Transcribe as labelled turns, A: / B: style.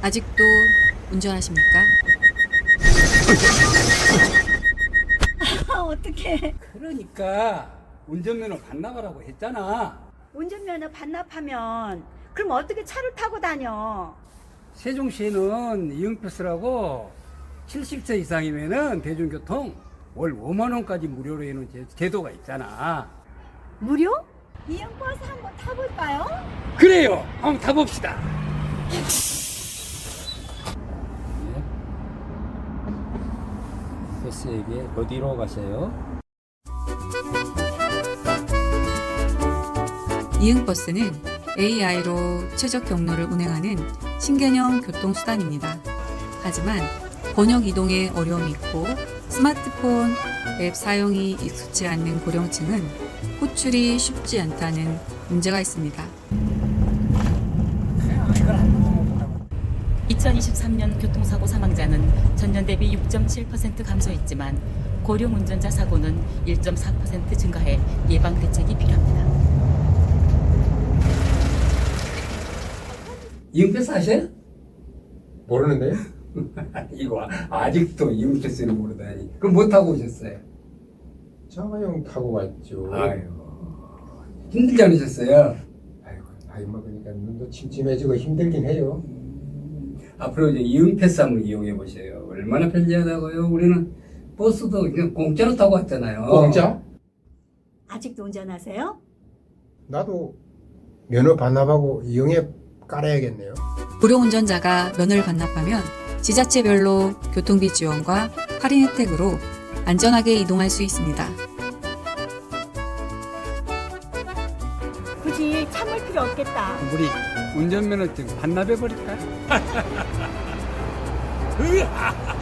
A: 아직도 운전하십니까?
B: 어떡해.
C: 그러니까 운전면허 반납하라고 했잖아.
B: 운전면허 반납하면 그럼 어떻게 차를 타고 다녀?
C: 세종시에는 이응패스라고 70세 이상이면은 대중교통 월 5만 원까지 무료로 해놓은 제도가 있잖아.
B: 무료? 이형버스 한번 타볼까요?
C: 그래요. 한번 타봅시다. 버스에게 어디로 가세요?
A: 이응버스는 AI로 최적 경로를 운행하는 신개념 교통수단입니다. 하지만 번역 이동에 어려움이 있고 스마트폰 앱 사용이 익숙치 않는 고령층은 호출이 쉽지 않다는 문제가 있습니다.
D: 2023년 교통사고 사망자는 전년 대비 6.7% 감소했지만 고령 운전자 사고는 1.4% 증가해 예방 대책이 필요합니다.
C: 이응패스 아세요?
E: 모르는데요?
C: 이거 아직도 이응패스를 모르다니. 그럼 뭐 타고 오셨어요?
E: 자가용 타고 왔죠.
C: 아유, 힘들지 않으셨어요?
E: 아이고, 나이 먹으니까 눈도 침침해지고 힘들긴 해요.
C: 앞으로 이제 이응패스 한번 이용해 보세요. 얼마나 편리하다고요? 우리는 버스도 그냥 공짜로 타고 왔잖아요.
E: 공짜?
B: 아직도 운전하세요?
E: 나도 면허 반납하고 이용해 깔아야겠네요.
A: 고령 운전자가 면허를 반납하면 지자체별로 교통비 지원과 할인 혜택으로 안전하게 이동할 수 있습니다.
B: 굳이 참을 필요 없겠다.
C: 우리 운전면허증 반납해 버릴까?